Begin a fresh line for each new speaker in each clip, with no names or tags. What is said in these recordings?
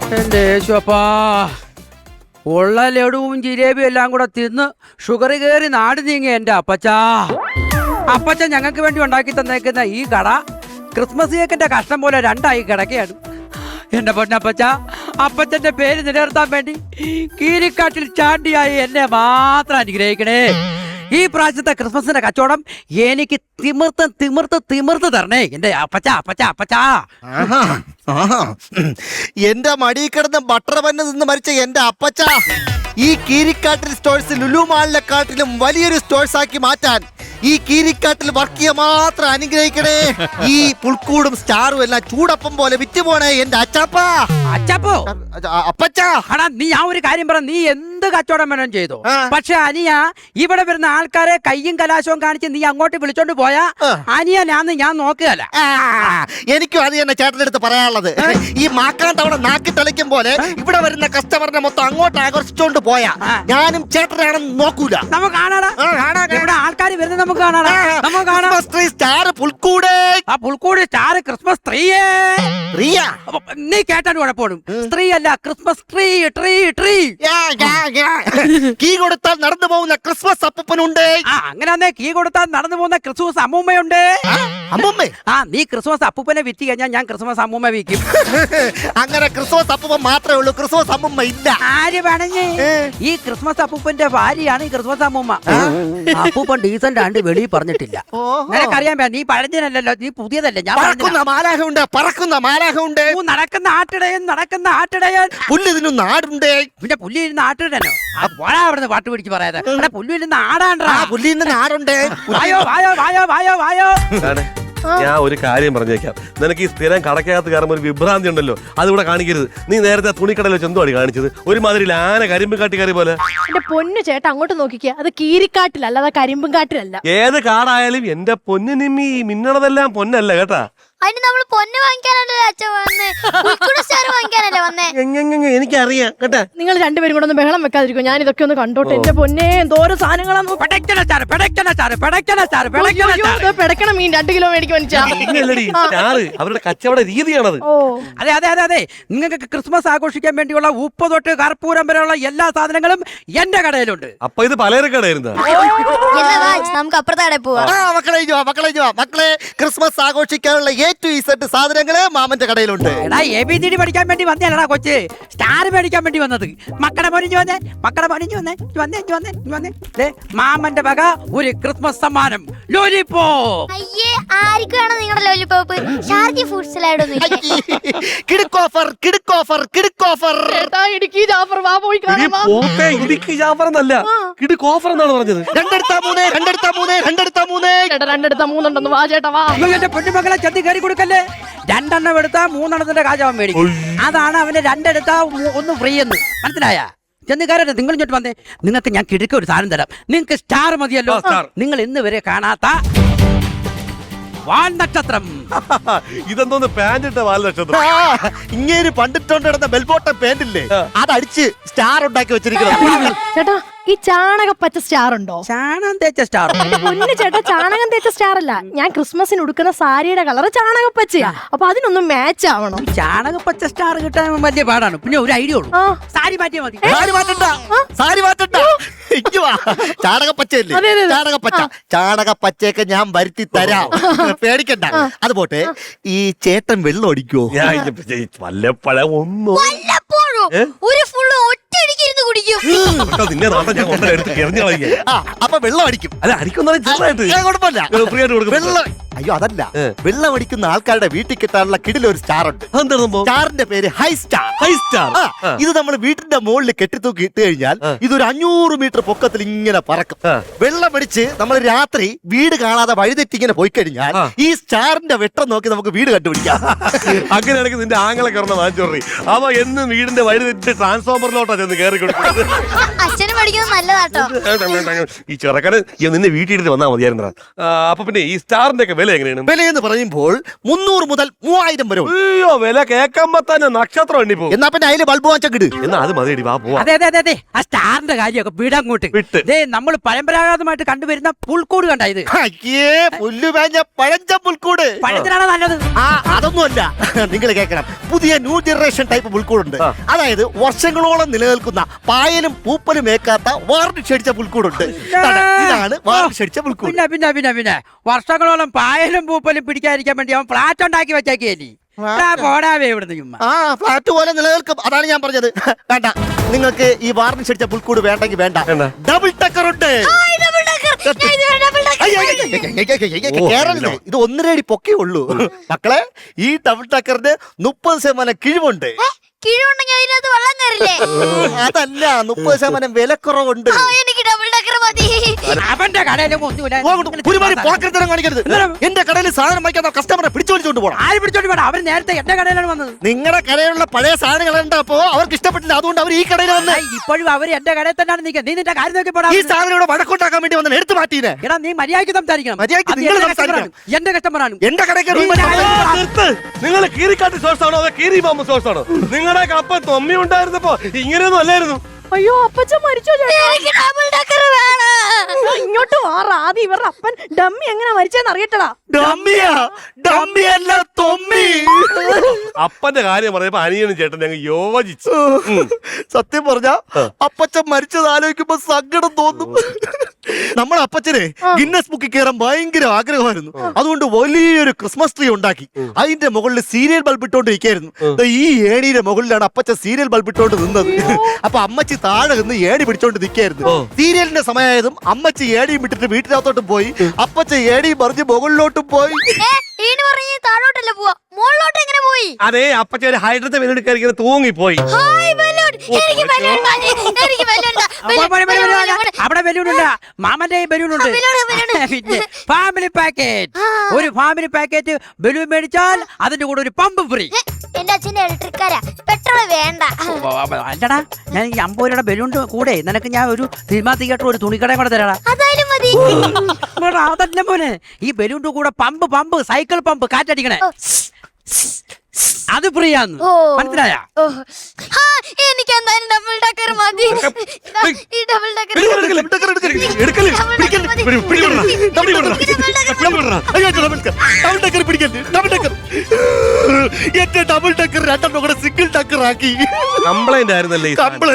എന്റെ യേശുപ്പാ, ഉള്ള ലഡുവും ജിലേബിയും എല്ലാം കൂടെ തിന്ന് ഷുഗർ കയറി നാട് നീങ്ങി എന്റെ അപ്പച്ച ഞങ്ങൾക്ക് വേണ്ടി ഉണ്ടാക്കി തന്നേക്കുന്ന ഈ കട ക്രിസ്മസ് കേക്കിന്റെ കഷ്ണം പോലെ രണ്ടായി കിടക്കുകയാണ്. എന്റെ പൊന്നപ്പച്ച, അപ്പച്ചന്റെ പേര് നിലനിർത്താൻ വേണ്ടി കീരിക്കാട്ടിൽ ചാണ്ടിയായി എന്നെ മാത്രം അനുഗ്രഹിക്കണേ. ഈ പ്രാവശ്യത്തെ ക്രിസ്മസിന്റെ കച്ചവടം എനിക്ക് തിമിർത്ത് തരണേ എന്റെ അപ്പച്ച.
എന്റെ മടി കിടന്ന് ബട്ടർ പന്ന് നിന്ന് മരിച്ച എന്റെ അപ്പച്ച ഈ കീരിക്കാട്ടിൽ സ്റ്റോഴ്സ് ലുലു മാളിനെക്കാട്ടിലും വലിയൊരു സ്റ്റോഴ്സ് ആക്കി മാറ്റാൻ ഈ കീരിക്കാട്ടിൽ വർക്ക് ചെയ്യാൻ മാത്രം അനുഗ്രഹിക്കണേ. ഈ പുൽക്കൂടും സ്റ്റാറും എല്ലാം ചൂടപ്പം പോലെ വിറ്റുപോണേ എന്റെ അച്ചാപ്പോ. അപ്പച്ച,
നീ ആ ഒരു കാര്യം പറ, നീ എന്ത് കച്ചവടം വേണം ചെയ്തു, പക്ഷെ അനിയ ഇവിടെ വരുന്ന ആൾക്കാരെ കയ്യും കലാശവും കാണിച്ച് നീ അങ്ങോട്ട് വിളിച്ചോണ്ട് പോയാ അനിയനാന്ന് ഞാൻ നോക്കുകയല്ല.
എനിക്കും അത് തന്നെ ചേട്ടനെടുത്ത് പറയാനുള്ളത്. ഈ മാക്കാൻ തവണ നാക്കി തെളിക്കും പോലെ ഇവിടെ വരുന്ന കസ്റ്റമറിനെ മൊത്തം അങ്ങോട്ട് ആകർഷിച്ചോണ്ട് പോയാ ഞാനും ചേട്ടനാണെന്ന് നോക്കൂല.
നമുക്ക് കാണാടാ, ഇവിടെ ആൾക്കാർ വരുന്നത് നമുക്ക് കാണാടാ. നമുക്ക് കാണാം
സ്റ്റാർ പുൽക്കൂട്,
ആ പുൽക്കൂട് സ്റ്റാർ ക്രിസ്മസ് ട്രീയേ. നീ കേട്ടാണ് കുഴപ്പമാണ്, സ്ത്രീ അല്ല ക്രിസ്മസ് ട്രീ.
കീ കൊടുത്താൽ നടന്നു പോകുന്ന ക്രിസ്മസ് അപ്പൂപ്പനുണ്ട്.
അങ്ങനെ കീ കൊടുത്താൽ നടന്നു പോകുന്ന ക്രിസ്മസ് അമ്മൂമ്മയുണ്ട്.
അമ്മൂമ്മ?
നീ ക്രിസ്മസ് അപ്പൂപ്പനെ വിറ്റ് കഴിഞ്ഞാൽ ഞാൻ ക്രിസ്മസ് അമ്മൂമ്മ വിൽക്കും.
അങ്ങനെ ക്രിസ്മസ് അപ്പൂപ്പൻ മാത്രമേ ഉള്ളൂ, ക്രിസ്മസ് അമ്മൂമ്മ ഇല്ല.
ആര് പറഞ്ഞേ? ഈ ക്രിസ്മസ് അപ്പൂപ്പന്റെ ഭാര്യയാണ് ഈ ക്രിസ്മസ് അമ്മൂമ്മ. അപ്പൂപ്പൻ ഡീസന്റ് ആണ്ട് വെളിയിൽ പറഞ്ഞിട്ടില്ല. നിനക്കറിയാൻ പറ്റാ, നീ പഴഞ്ഞനല്ലോ, നീ പുതിയതല്ലേ. ഞാൻ
പറക്കുന്ന മാലാഹ ഉണ്ട്.
നടക്കുന്ന ആട്ടിടയൻ
പുല്ല് തിന്നു നാടുണ്ട്.
പിന്നെ പുല്ല് ഇരുന്ന് ആട്ടിടനോ? പോരാ അവിടുന്ന് പാട്ട് പിടിച്ച് പറയാതെ. പുല്ല് ഇരുന്ന് ആടാണ്ടാ.
പുല്ല് ഇരുന്ന് നാടുണ്ട്.
വായോ.
ഞാൻ ഒരു കാര്യം പറഞ്ഞേക്കാം, നിനക്ക് ഈ സ്ഥിരം കടക്കകത്ത് കയറുമ്പോൾ ഒരു വിഭ്രാന്തി ഉണ്ടല്ലോ, അതിവിടെ കാണിക്കരുത്. നീ നേരത്തെ തുണിക്കടയിൽ വെച്ച് എന്തുവാണ് കാണിച്ചത്? ഒരുമാതിരി ആന കരിമ്പും കാട്ടി കയറി പോലെ.
എന്റെ പൊന്നു ചേട്ടാ, അങ്ങോട്ട് നോക്കിക്കുക, അത് കീരിക്കാട്ടിലല്ല, അത് കരിമ്പും കാട്ടിലല്ല.
ഏത് കാടായാലും എന്റെ പൊന്നിനിമ്മി മിന്നണതെല്ലാം പൊന്നല്ല കേട്ടാ.
അതിന് നമ്മള് പൊന്ന് വാങ്ങിക്കാനല്ലേ അച്ഛൻ വന്നേ, സ്റ്റാർ വാങ്ങിക്കാനല്ലേ വന്നേ.
എനിക്കറിയാം കേട്ടാ.
നിങ്ങൾ രണ്ടുപേരും കൂടെ ഒന്ന് ബഹളം വെക്കാതിരിക്കും, ഞാൻ ഇതൊക്കെ ഒന്ന് കണ്ടോട്ടെ. എന്റെ പൊന്നെ, എന്തോരം സാധനങ്ങളാണ്. പെടക്കണം മീൻ 2 കിലോ മേടിക്കും
അവരുടെ കച്ചവട രീതിയാണത്.
അതെ, നിങ്ങൾക്ക് ക്രിസ്മസ് ആഘോഷിക്കാൻ വേണ്ടിയുള്ള ഉപ്പ് തൊട്ട് കർപ്പൂരം വരെയുള്ള എല്ലാ സാധനങ്ങളും എന്റെ കടയിലുണ്ട്.
അപ്പൊ ഇത് പലചരക്കടയായിരുന്നു.
നമുക്ക് അപ്പുറത്തെ കടയിൽ പോവാം.
മക്കളെ, ക്രിസ്മസ് ആഘോഷിക്കാനുള്ള A to Z സാധനങ്ങള് മാമന്റെ കടയിലുണ്ട്.
ABCD പഠിക്കാൻ വേണ്ടി വന്നേടാ കൊച്ച്, സ്റ്റാർ മേടിക്കാൻ വേണ്ടി വന്നത്. മക്കളെ പൊരിഞ്ഞു വന്നേ. മാമന്റെ വക ഒരു ക്രിസ്മസ് സമ്മാനം, ലോലിപോപ്പ്.
അയ്യേ, ആർക്കാണ് നിങ്ങളുടെ ലോലിപോപ്പ്? ഷാർജി ഫുഡ്സിലായിട്ടൊന്നും
കിടുക്ക് ഓഫർ.
ഇടുക്കി ജാഫർ വാ, പോയി കാണാം.
ഇടുക്കി ജാഫർ എന്നല്ല, കിടുക്ക് ഓഫർ എന്നാണ് പറഞ്ഞത്.
2 എടുത്താ 3
ഉണ്ടെന്ന് വാ ചേട്ടാ, വാ.
എന്റെ പൊന്നുമക്കളെ ചെത്തി കയറി കൊടുക്കല്ലേ. 2 എണ്ണം എടുത്താ 3 എണ്ണത്തിന്റെ കാശ് മേടിക്കും. അതാണ് അവന് 2 എടുത്താ 1 ഫ്രീ എന്ന്. മനസ്സിലായ? ചെന്നുകാരൻ നിങ്ങൾ ഇങ്ങോട്ട് വന്നേ, നിങ്ങൾക്ക് ഞാൻ കിടക്ക ഒരു സാധനം തരാം. നിങ്ങൾക്ക് സ്റ്റാർ മതിയല്ലോ. നിങ്ങൾ ഇന്ന് വരെ കാണാത്ത വാൽനക്ഷത്രം.
ഇതെന്തോന്ന് പാൻറ് വാൽനക്ഷത്രം?
ഇങ്ങനെ പണ്ടിട്ടോണ്ട് കിടന്ന ബെൽബോട്ടം പാൻറില്ലേ, അതടിച്ച് സ്റ്റാർ ഉണ്ടാക്കി വെച്ചിരിക്കുന്നത്.
ചേട്ടാ, ഈ ചാണകപ്പച്ച സ്റ്റാർ ഉണ്ടോ?
ചാണകം തേച്ച സ്റ്റാർ?
പൊന്നു ചേട്ടാ, ചാണകം തേച്ച സ്റ്റാർ അല്ല, ഞാൻ ക്രിസ്മസിന് ഉടുക്കുന്ന സാരിയുടെ കളർ ചാണകപ്പച്ചയാ. അപ്പൊ അതിനൊന്നും മാച്ച് ആവണം.
ചാണകപ്പച്ച സ്റ്റാർ കിട്ടാൻ വലിയ പാടാണ്. പിന്നെ ഒരു ഐഡിയ ഉള്ളൂ, സാരി മാറ്റിയാ മതി.
സാരി മാറ്റണ്ട. ചാണകപ്പച്ചയല്ലേ? ചാണകപ്പച്ചയൊക്കെ ഞാൻ വരുത്തി തരാം, പേടിക്കണ്ട. അത് പോട്ടെ, ഈ ചേട്ടൻ വെള്ളം അടിക്കുവോ?
വല്ലപ്പോഴും
ഒരു ഫുള്ള് ഒറ്റയടിക്കിരുന്ന് കുടിക്കും.
അപ്പൊ വെള്ളം അടിക്കും.
അല്ല, അടിക്കുന്ന
കുഴപ്പമില്ല. അയ്യോ അതല്ല, വെള്ളം അടിക്കുന്ന ആൾക്കാരുടെ വീട്ടിൽ കിട്ടാനുള്ള കിടിലൊരു സ്റ്റാർ ഉണ്ട്. സ്റ്റാറിന്റെ പേര് ഹൈ സ്റ്റാർ. ഇത് നമ്മൾ വീട്ടിന്റെ മുകളിൽ കെട്ടിത്തൂക്കി ഇട്ട് കഴിഞ്ഞാൽ ഇതൊരു 500 മീറ്റർ പൊക്കത്തിൽ ഇങ്ങനെ പറക്കും. വെള്ളം അടിച്ച് നമ്മൾ രാത്രി വീട് കാണാതെ വഴിതെറ്റി ഇങ്ങനെ പോയി കഴിഞ്ഞാൽ ഈ സ്റ്റാറിന്റെ വെട്ടം നോക്കി നമുക്ക് വീട് കണ്ടുപിടിക്കാം.
അങ്ങനെയാണെങ്കിൽ നിന്റെ ആങ്ങളെ കയറുന്ന വാങ്ങിച്ചോറി, അവ എന്നും വീടിന്റെ വഴിതെറ്റി ട്രാൻസ്ഫോമറിലോട്ടാ ചെന്ന് കയറി കൊടുക്കുന്നത്.
അച്ഛനും പഠിക്കുന്നത് നല്ലതാട്ടോ.
ഈ ചെറുക്കന് നിന്നെ വീട്ടിൽ വന്നാൽ മതിയായിരുന്നു. അപ്പൊ പിന്നെ ഈ സ്റ്റാറിന്റെ ഒക്കെ വില എങ്ങനെയാണ്?
വിലയെന്ന് പറയുമ്പോൾ 300 മുതൽ 3000 വരെ ഉണ്ട്.
അയ്യോ, വില കേൾക്കുമ്പോ തന്നെ നക്ഷത്രം എണ്ണി പോകും.
എന്നാ പിന്നെ അതില് ബൾബ് വാങ്ങിച്ചിട്.
എന്നാ അത് മതി, വാ പോവാ.
അതെ അതെ അതെ അതെ, ആ സ്റ്റാറിന്റെ കാര്യമൊക്കെ വിടങ്ങോട്ട്
വിട്ട്.
ദേ നമ്മൾ പരമ്പരാഗതമായിട്ട് കണ്ടുവരുന്ന പുൽക്കൂട് കണ്ട ഇത്
അയ്യേ പുല്ലു വേഞ്ഞ പഴഞ്ച പുൽക്കൂട്.
പഴത്തിനാണ് നല്ലത്.
അതൊന്നുമല്ല, നിങ്ങൾ കേൾക്കണം. പുതിയ ന്യൂ ജനറേഷൻ ടൈപ്പ് പുൽക്കൂടുണ്ട്. അതായത് വർഷങ്ങളോളം നിലനിൽക്കുന്ന പായലും പൂപ്പലും ഏക്കാത്ത വാർണിഷ് അടിച്ച പുൽക്കൂടുണ്ട്. ഇതാണ് വാർണിഷ് അടിച്ച പുൽക്കൂട്.
പിന്നെ പിന്നെ പിന്നെ പിന്നെ വർഷങ്ങളോളം പായലും പൂപ്പലും പിടിക്കാതിരിക്കാൻ വേണ്ടി അവൻ ഫ്ലാറ്റ് ഉണ്ടാക്കി വെച്ചേക്കേലി. പോടാവേ ഇവിടുന്ന് ചുമ്മാ.
ഫ്ലാറ്റ് പോലെ നിലനിൽക്കും. അതാണ് ഞാൻ പറഞ്ഞത്. വേണ്ട, നിങ്ങൾക്ക് ഈ വാർണിഷ് അടിച്ച പുൽക്കൂട് വേണ്ടെങ്കിൽ വേണ്ട. ഡബിൾ ടക്കർ ഉണ്ട്. കേരളത്തില് ഇത് 1.5 അടി പൊക്കേ ഉള്ളൂ മക്കളെ. ഈ ഡബിൾ ടക്കറിന് 30% കിഴിവുണ്ട്.
കിഴിവുണ്ടെങ്കിൽ അതിനകത്ത് വെള്ളം കയറില്ലേ?
അതല്ല, 30% വിലക്കുറവുണ്ട്.
എനിക്ക് ഡബിൾ ടക്കർ മതി.
അവന്റെ കടയിലും ഒന്നുമില്ല.
ഒരുപാട് പോക്കറ്റത്തരം കാണിക്കരുത്. എന്റെ കടയിൽ സാധനം വാങ്ങിക്കാൻ കസ്റ്റമറെ പിടിച്ചോടിച്ചോണ്ട് പോകണം.
ആര് പിടിച്ചോണ്ട് വേണം? അവര് നേരത്തെ എന്റെ കടയിലാണ് വന്നത്.
നിങ്ങളുടെ കടയിലുള്ള പഴയ സാധനങ്ങൾ ഉണ്ടപ്പോ അവർക്ക് ഇഷ്ടപ്പെട്ടില്ല. അതുകൊണ്ട് അവർ ഈ കടയിൽ വന്ന്.
ഇപ്പോഴും അവര് എന്റെ കടയിൽ തന്നെയാണ് നിൽക്കുന്നത്. നീ നിന്റെ കാര്യം നോക്കി പോടാ.
ഈ സാധനം ഇവിടെ വഴക്കുണ്ടാക്കാൻ വേണ്ടി വന്ന് എടുത്തു മാറ്റീനെ.
എടാ നീ മര്യാദയ്ക്ക് സംസാരിക്കണം.
മര്യാദയ്ക്ക്
അത്
നിങ്ങൾ
എന്റെ
സംസാരിക്കണം.
കസ്റ്റമറാണ്. എന്റെ കസ്റ്റമറാണ്.
എന്റെ കടയ്ക്ക്
നിങ്ങൾ കീരിക്കാട്ട് സോഴ്സ് ആണോ അതോ കീരി പാമ്പ് സോഴ്സ് ആണോ? നിങ്ങളുടെ കപ്പ തൊമ്മി ഉണ്ടായിരുന്നപ്പോ ഇങ്ങനെയൊന്നും അല്ലായിരുന്നു.
അയ്യോ അപ്പച്ചൻ മരിച്ചോ ചേട്ടാ?
എനിക്ക് ഡബിൾ ടക്കർ വേണം.
ഇങ്ങോട്ട് മാറ. ആദ്യം ഇവരുടെ അപ്പൻ ഡമ്മി എങ്ങനെ മരിച്ചെന്ന് അറിയട്ടടാ.
ഡമ്മിയല്ല തൊമ്മി.
അപ്പന്റെ കാര്യം പറഞ്ഞപ്പോ അനിയനും ചേട്ടൻ ഞങ്ങൾ യോജിച്ചു.
സത്യം പറഞ്ഞ അപ്പച്ചൻ മരിച്ചത് ആലോചിക്കുമ്പോ സങ്കടം തോന്നും. നമ്മുടെ അപ്പച്ചനെ ഗിന്നസ് ബുക്കിൽ കയറാൻ ഭയങ്കര ആഗ്രഹമായിരുന്നു. അതുകൊണ്ട് വലിയൊരു ക്രിസ്മസ് ട്രീ ഉണ്ടാക്കി അതിന്റെ മുകളിൽ സീരിയൽ ബൾബ് ഇട്ടോണ്ട് ഇരിക്കായിരുന്നു. ഈ ഏണിയുടെ മുകളിലാണ് അപ്പച്ചൻ സീരിയൽ ബൾബ് ഇട്ടോണ്ട് നിന്നത്. അപ്പൊ അമ്മച്ചി താഴെ നിന്ന് ഏണി പിടിച്ചോണ്ട് നിൽക്കായിരുന്നു. സീരിയലിന്റെ സമയമായതും അമ്മച്ചി ഏണിയും വിട്ടിട്ട് വീട്ടിനകത്തോട്ടും പോയി. അപ്പച്ചൻ ഏണിയും പറഞ്ഞ് മുകളിലോട്ടും പോയി.
താഴോട്ടല്ല പോവാ, മുകളിലോട്ട് എങ്ങനെ പോയി?
അതേ, അപ്പച്ച ഒരു ഹൈഡ്രത്തെ വെല്ലെടുക്കാൻ തൂങ്ങിപ്പോയി.
അവിടെ ബലൂണുണ്ട്. മാമന്റെ ബലൂണുണ്ട്. പിന്നെ ഫാമിലി പാക്കേജ്. ഒരു ഫാമിലി പാക്കേജ് ബലൂൺ മേടിച്ചാൽ അതിന്റെ കൂടെ ഒരു പമ്പ് ഫ്രീ.
എന്റെ അച്ഛന്റെ ഇലക്ട്രിക്കാരാ, പെട്രോൾ വേണ്ട.
അല്ലടാ, ഞാൻ ഈ 50 രൂപയുടെ ബലൂണിന്റെ കൂടെ നിനക്ക് ഞാൻ ഒരു സിനിമാ തിയേറ്റർ ഒരു തുണിക്കടയും കൂടെ തരാടാ.
അതായാലും മതി.
അതല്ല മോനെ, ഈ ബലൂണിന്റെ കൂടെ പമ്പ് സൈക്കിൾ പമ്പ് കാറ്റടിക്കണേ, അത് ഫ്രീ ആന്ന്. മനസ്സിലായ?
എനിക്ക് എന്തായാലും ഡബിൾ ടക്കർ മതി. ഈ ഡബിൾ ടക്കർ
എന്റെ ഡബിൾ ടക്കർ 2 കൂടെ സിംഗിൾ ടക്കർ ആക്കി.
കംപ്ലൈന്റ് ആയിരുന്നല്ലേ?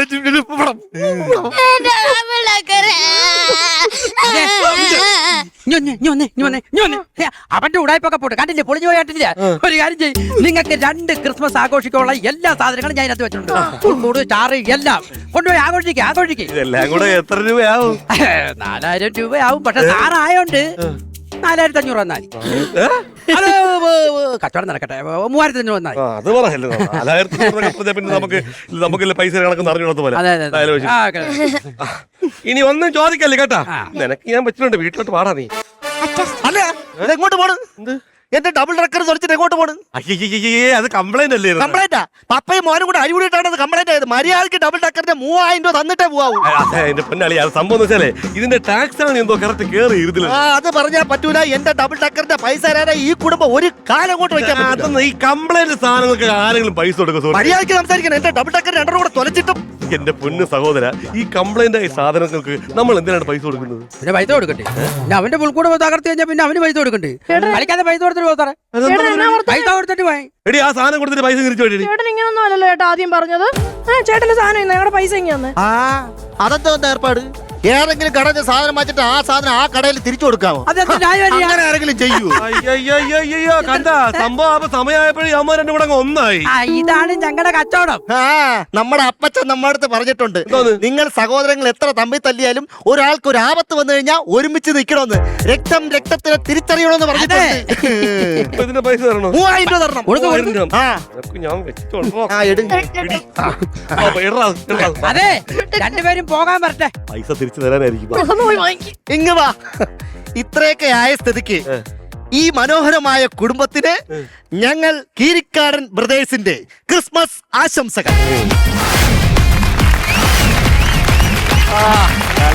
അവന്റെ ഉടായ്പൊക്കെ പോട്ട് കണ്ടില്ലേ, പൊളിഞ്ഞു പോയിട്ടില്ല. ഒരു കാര്യം ചെയ്യും, നിങ്ങൾക്ക് 2 ക്രിസ്മസ് ആഘോഷിക്കാനുള്ള എല്ലാ സാധനങ്ങളും ഞാൻ അതിനകത്ത് വെച്ചിട്ടുണ്ട്. കൂട് ചാറ് എല്ലാം കൊണ്ടുപോയി ആഘോഷിക്കുക.
ഇതെല്ലാം കൂടെ എത്ര രൂപയാവും?
4000 രൂപയാവും. പക്ഷെ സാറായോണ്ട് 4500 വന്നാൽ അത് കച്ചവടം നടക്കട്ടെ. 3500 വന്നാൽ
അത് പറയല്ലോ. 4000 പിന്നെ നമുക്ക് പൈസ കണക്ക് അറിഞ്ഞോളത്ത് പോലെ. ഇനി ഒന്നും ചോദിക്കല്ലേ കേട്ടാ. നിനക്ക് ഞാൻ വെച്ചിട്ടുണ്ട്, വീട്ടിലോട്ട് പാടാ നീ.
അല്ല, എങ്ങോട്ട് പോണ്? എന്റെ ഡബിൾ ടക്കർ തുറച്ചിട്ട് എങ്ങോട്ട് പോണ്?
അയ്യേ, അത് കംപ്ലൈന്റ് അല്ലേ?
കംപ്ലൈന്റാ? പപ്പയും മോനും കൂടെ അടികൂടിയിട്ടാണ് അത് കംപ്ലൈന്റ് ആയത്. മര്യാദക്ക് ഡബിൾ ടക്കറിന്റെ 3000 രൂപ തന്നിട്ടേ പോവാവൂ.
എന്റെ പൊന്നാളി, അത് സംഭവം എന്ന് വെച്ചാലേ ഇതിന്റെ ടാക്സ് ആണ് എന്തോ കറക്റ്റ് കേറി ഇരുന്നില്ല.
അത് പറഞ്ഞാൽ പറ്റൂല. എന്റെ ഡബിൾ ടക്കറിന്റെ പൈസ തരാതെ ഈ കുടുംബം ഒരു കാലം കൊണ്ട് വയ്ക്കാൻ പറ്റില്ല.
ഈ കംപ്ലൈന്റ് സാധനങ്ങൾക്ക് ആരെങ്കിലും പൈസ കൊടുക്കും?
മര്യാദക്ക് സംസാരിക്കണം. എന്റെ ഡബിൾ ടക്കർ 2 കൂടെ തുലച്ചിട്ടും.
എന്റെ പൊന്ന് സഹോദര, ഈ കംപ്ലൈന്റ് ആയ സാധനങ്ങൾക്ക് നമ്മൾ എന്തിനാണ് പൈസ കൊടുക്കുന്നത്?
പിന്നെ പൈസ കൊടുക്കണ്ടേ? പിന്നെ അവന്റെ പുൽക്കൂട് തകർത്ത് കഴിഞ്ഞാൽ പിന്നെ അവന് പൈസ കൊടുക്കണ്ടേ? കളിക്കാതെ പൈസ കൊടുത്തിട്ട് പോകാറേ. പൈസ കൊടുത്തിട്ട് പോയി.
എടി, ആ സാധനം കൊടുത്തിട്ട് പൈസ തിരിച്ചു പോയി.
ചേട്ടൻ ഇങ്ങനൊന്നും അല്ലല്ലോ ചേട്ടാ ആദ്യം പറഞ്ഞത്. ചേട്ടന്റെ സാധനം ഞങ്ങളുടെ പൈസ ഇങ്ങനെ.
അതെന്താ ഏർപ്പാട്? ഏതെങ്കിലും കടയിൽ സാധനം വാങ്ങിച്ചിട്ട് ആ സാധനം ആ കടയിൽ തിരിച്ചു കൊടുക്കാമോ? അങ്ങനെ ആരെങ്കിലും ചെയ്യൂ?
അയ്യോ, കണ്ട സംഭവം സമയമായപ്പോഴും അമ്മ 2 കൂടെ ഒന്നായി.
ഇതാണ് ഞങ്ങളുടെ കച്ചവടം.
നമ്മുടെ അപ്പച്ചൻ നമ്മുടെ അടുത്ത് പറഞ്ഞിട്ടുണ്ട്, നിങ്ങൾ സഹോദരങ്ങൾ എത്ര തമ്മിൽ തല്ലിയാലും ഒരാൾക്ക് ഒരു ആപത്ത് വന്നു കഴിഞ്ഞാൽ ഒരുമിച്ച് നിൽക്കണമെന്ന്. രക്തത്തിനെ തിരിച്ചറിയണമെന്ന് പറഞ്ഞിട്ടുണ്ട്.
ഇതിന്റെ പൈസ തരണോ?
3000 രൂപ തരണം.
അതെ, രണ്ടുപേരും പോകാൻ വരട്ടെ.
പൈസ തിരിച്ചു തരാനായിരിക്കും.
ഇങ്ങ് വാ. ഇത്രയൊക്കെ ആയ സ്ഥിതിക്ക് ഈ മനോഹരമായ കുടുംബത്തിന് ഞങ്ങൾ കീരിക്കാടൻ ബ്രദേഴ്സിന്റെ ക്രിസ്മസ് ആശംസകൾ.